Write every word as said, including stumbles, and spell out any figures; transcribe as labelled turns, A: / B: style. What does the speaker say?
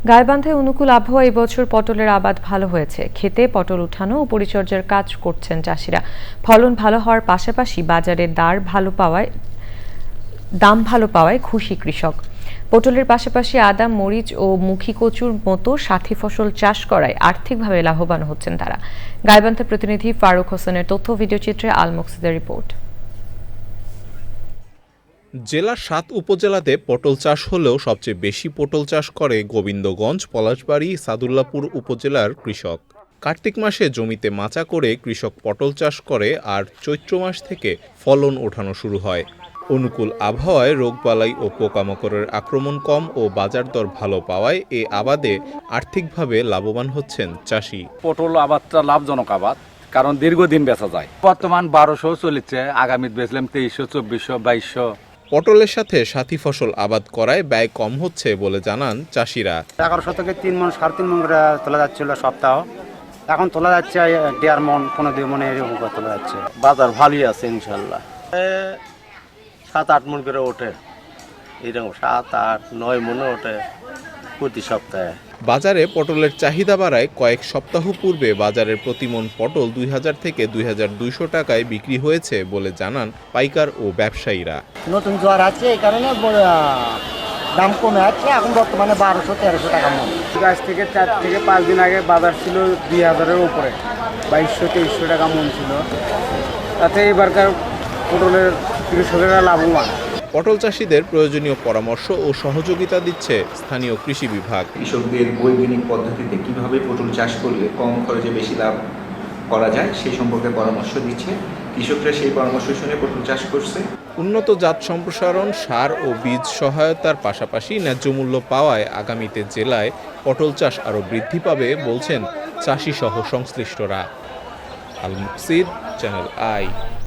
A: গাইবান্ধায় অনুকূল আবহাওয়া এবছর পটলের আবাদ ভালো হয়েছে। খেতে পটল উঠানো ও পরিচর্যার কাজ করছেন চাষিরা। ফলন ভালো হওয়ার পাশাপাশি বাজারে দার ভালো পাওয়ায় দাম ভালো পাওয়ায় খুশি কৃষক। পটলের পাশাপাশি আদা, মরিচ ও মুখী কচুর মতো সাথী ফসল চাষ করায় আর্থিকভাবে লাভবান হচ্ছেন তারা। গাইবান্ধা প্রতিনিধি ফারুক হোসেনের তথ্য ভিডিওচিত্রে আল মুকসিদের রিপোর্ট।
B: জেলার সাত উপজেলাতে পটল চাষ হলেও সবচেয়ে বেশি পটল চাষ করে গোবিন্দগঞ্জ, পলাশবাড়ী, সাদুল্লাপুর উপজেলার কৃষক। কার্তিক মাসে জমিতে মাচা করে কৃষক পটল চাষ করে আর চৈত্র মাস থেকে ফলন ওঠানো শুরু হয়। অনুকূল আবহাওয়ায় রোগবালাই ও পোকামাকড়ের আক্রমণ কম ও বাজার দর ভালো পাওয়ায় এ আবাদে আর্থিকভাবে লাভবান হচ্ছেন চাষি।
C: পটল আবাদটা লাভজনক আবাদ, কারণ দীর্ঘদিন বেচা যায়। বর্তমান বারোশো চলেছে, আগামী বেচলাম তেইশশো, চব্বিশশো, বাইশশো।
B: পটলের সাথে সাথী ফসল আবাদ করায় ব্যয় কম হচ্ছে বলে জানান চাষিরা।
D: এগারোশো থেকে তিন মন সাড়ে তিন মন করে তোলা যাচ্ছিল সপ্তাহ, এখন তোলা যাচ্ছে দেড় মন, পনেরো দুই মনে এরকম করে তোলা যাচ্ছে।
E: বাজার ভালোই আছে ইনশাল্লাহ, সাত আট মন করে ওঠে, এরকম সাত আট নয় মনে ওঠে প্রতি সপ্তাহে।
B: বাজারে পটলের চাহিদা বাড়ায় কয়েক সপ্তাহ পূর্বে বাজারের প্রতি মন পটল দুই হাজার থেকে দুই হাজার দুইশো টাকায় বিক্রি হয়েছে বলে জানান পাইকার ও ব্যবসায়ীরা।
D: নতুন জোয়ার আছে, এই কারণে দাম কমে আছে, এখন বর্তমানে বারোশো তেরোশো টাকা মন। গাছ থেকে চার থেকে পাঁচ দিন আগে বাজার ছিল দুই হাজারের উপরে, বাইশশো তেইশশো টাকা মন ছিল। তাতে এবারকার পটলের কৃষকেরা লাভবান।
B: পটল চাষিদের প্রয়োজনীয় পরামর্শ ও সহযোগিতা দিচ্ছে স্থানীয় কৃষি বিভাগ।
F: কৃষকদের বৈজ্ঞানিক পদ্ধতিতে কিভাবে পটল চাষ করলে কম খরচে বেশি লাভ করা যায় সেই সম্পর্কে পরামর্শ দিচ্ছে। কৃষকরা সেই পরামর্শ শুনে পটল চাষ করছে।
B: উন্নত জাত সম্প্রসারণ, সার ও বীজ সহায়তার পাশাপাশি ন্যায্য মূল্য পাওয়ায় আগামীতে জেলায় পটল চাষ আরও বৃদ্ধি পাবে বলছেন চাষি সহ সংশ্লিষ্টরা। Al Muksid, channel I.